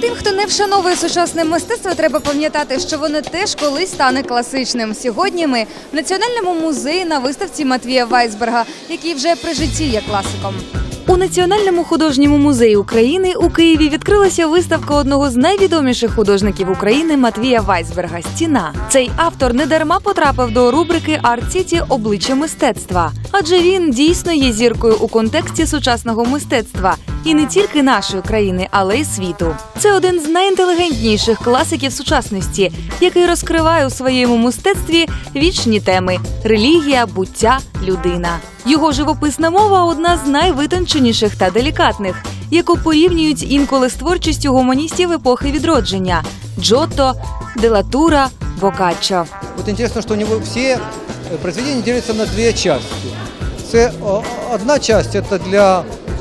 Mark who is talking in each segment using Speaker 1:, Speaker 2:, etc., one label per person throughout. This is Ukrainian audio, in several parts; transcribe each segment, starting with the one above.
Speaker 1: Тим, хто не вшановує сучасне мистецтво, треба пам'ятати, що воно теж колись стане класичним. Сьогодні ми в Національному музеї на виставці Матвія Вайсберга, який вже при житті є класиком. У Національному художньому музеї України у Києві відкрилася виставка одного з найвідоміших художників України Матвія Вайсберга «Стіна». Цей автор недарма потрапив до рубрики «Арт-Сіті. Обличчя мистецтва». Адже він дійсно є зіркою у контексті сучасного мистецтва. І не тільки нашої країни, але й світу. Це один з найінтелігентніших класиків сучасності, який розкриває у своєму мистецтві вічні теми – релігія, буття, людина. Його живописна мова – одна з найвитонченіших та делікатних, яку порівнюють інколи з творчістю гуманістів епохи відродження – Джотто, Делатура, Боккаччо.
Speaker 2: Вот интересно, что у него все произведения делятся на две части. Одна часть – это для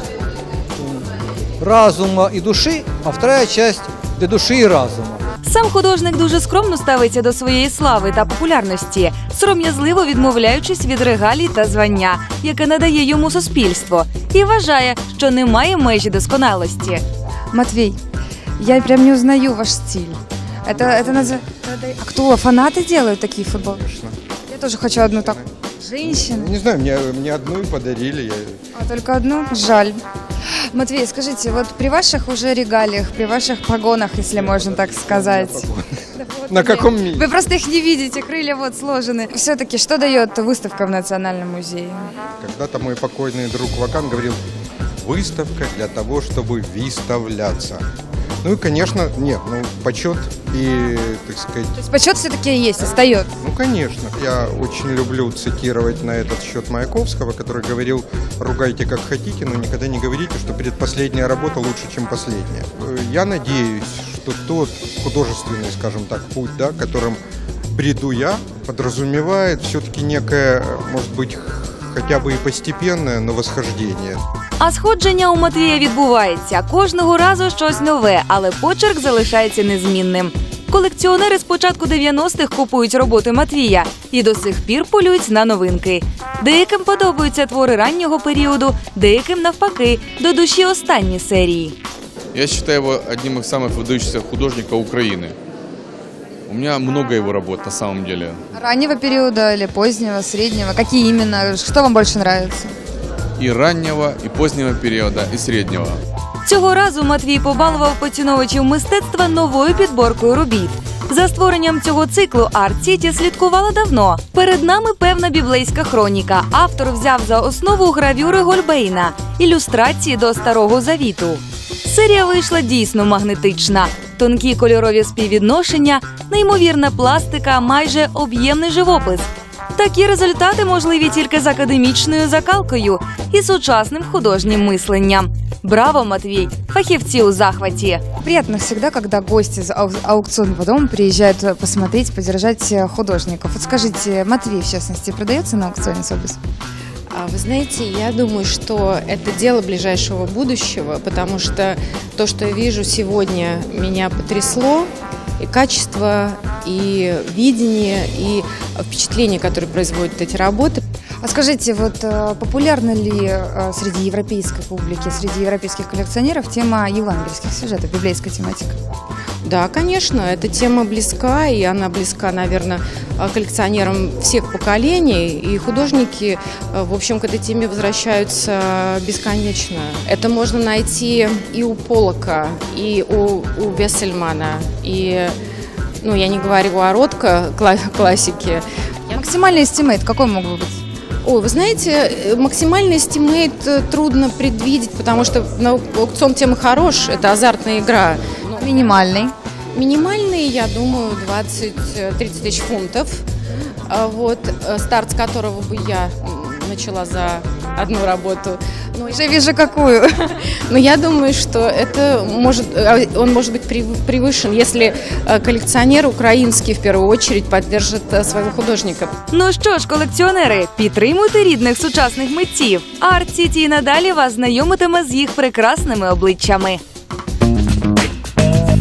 Speaker 2: разума и души, а вторая часть – для души и разума.
Speaker 1: Сам художник дуже скромно ставиться до своєї слави та популярності, сором'язливо відмовляючись від регалій та звання, яке надає йому суспільство, і вважає, що немає межі досконалості. Матвій, я прям не узнаю ваш стиль. Это А кто? Фанаты делают такие футболки?
Speaker 3: Конечно.
Speaker 1: Я тоже хочу одну так. Женщина?
Speaker 3: Не знаю, мне одну и подарили.
Speaker 1: А только одну? Жаль. Матвей, скажите, вот при ваших уже регалиях, при ваших погонах, если можно так сказать.
Speaker 3: На каком месте?
Speaker 1: Вы просто их не видите, крылья вот сложены. Все-таки что дает выставка в Национальном музее?
Speaker 3: Когда-то мой покойный друг Вакан говорил: выставка для того, чтобы выставляться. Ну и, конечно, нет, почет и, так сказать...
Speaker 1: То есть почет все-таки есть, остается?
Speaker 3: Ну, конечно. Я очень люблю цитировать на этот счет Маяковского, который говорил: ругайте как хотите, но никогда не говорите, что предпоследняя работа лучше, чем последняя. Я надеюсь, что тот художественный, скажем так, путь, да, которым бреду я, подразумевает все-таки некое, может быть, хоча б і постепенне, но восхождення.
Speaker 1: А сходження у Матвія відбувається. Кожного разу щось нове, але почерк залишається незмінним. Колекціонери з початку 90-х купують роботи Матвія і до сих пір полюють на новинки. Деяким подобаються твори раннього періоду, деяким, навпаки, до душі останні серії.
Speaker 4: Я вважаю його одним із самых выдающихся художників України. У меня много его работ на самом деле.
Speaker 1: Раннего периода или позднего, среднего? Какие именно? Что вам больше нравится?
Speaker 4: И раннего, и позднего периода, и среднего.
Speaker 1: Цього разу Матвій побалував поціновувачів мистецтва новою підборкою робіт. За створенням цього циклу «Арт-Сіті» слідкувала давно. Перед нами певна біблейська хроніка. Автор взяв за основу гравюри Гольбейна, ілюстрації до Старого Завіту. Серія вийшла дійсно магнетична. Тонкі кольорові співвідношення, неймовірна пластика, майже об'ємний живопис. Такі результати можливі тільки з академічною закалкою і сучасним художнім мисленням. Браво, Матвій! Фахівці у захваті! Приятно всегда, когда гости из аукционного дома приезжают посмотреть, поддержать художников. Вот скажите, Матвей, в частности, продается на аукционе Собес?
Speaker 5: Вы знаете, я думаю, что это дело ближайшего будущего, потому что то, что я вижу сегодня, меня потрясло. И качество, и видение, и впечатление, которое производят эти работы.
Speaker 1: А скажите, вот популярна ли среди европейской публики, среди европейских коллекционеров тема евангельских сюжетов, библейская тематика?
Speaker 5: Да, конечно, эта тема близка, и она близка, наверное, коллекционерам всех поколений, и художники, в общем, к этой теме возвращаются бесконечно. Это можно найти и у Поллока, и у Вессельмана, и, я не говорю о Ротко, классике.
Speaker 1: Максимальный эстимейт какой мог бы быть?
Speaker 5: Ой, вы знаете, максимальный эстимейт трудно предвидеть, потому что аукцион темы хорош, это азартная игра.
Speaker 1: Минимальный?
Speaker 5: Минимальный, я думаю, 20-30 тысяч фунтов. Вот, старт с которого бы я начала за одну работу.
Speaker 1: Уже вижу какую.
Speaker 5: Но я думаю, что он может быть превышен, если коллекционер український в первую очередь поддержит своего художника.
Speaker 1: Ну що ж, колекціонери, підтримуйте рідних сучасних митців. Арт-Сіті і надалі вас знайомитиме з їх прекрасними обличчями.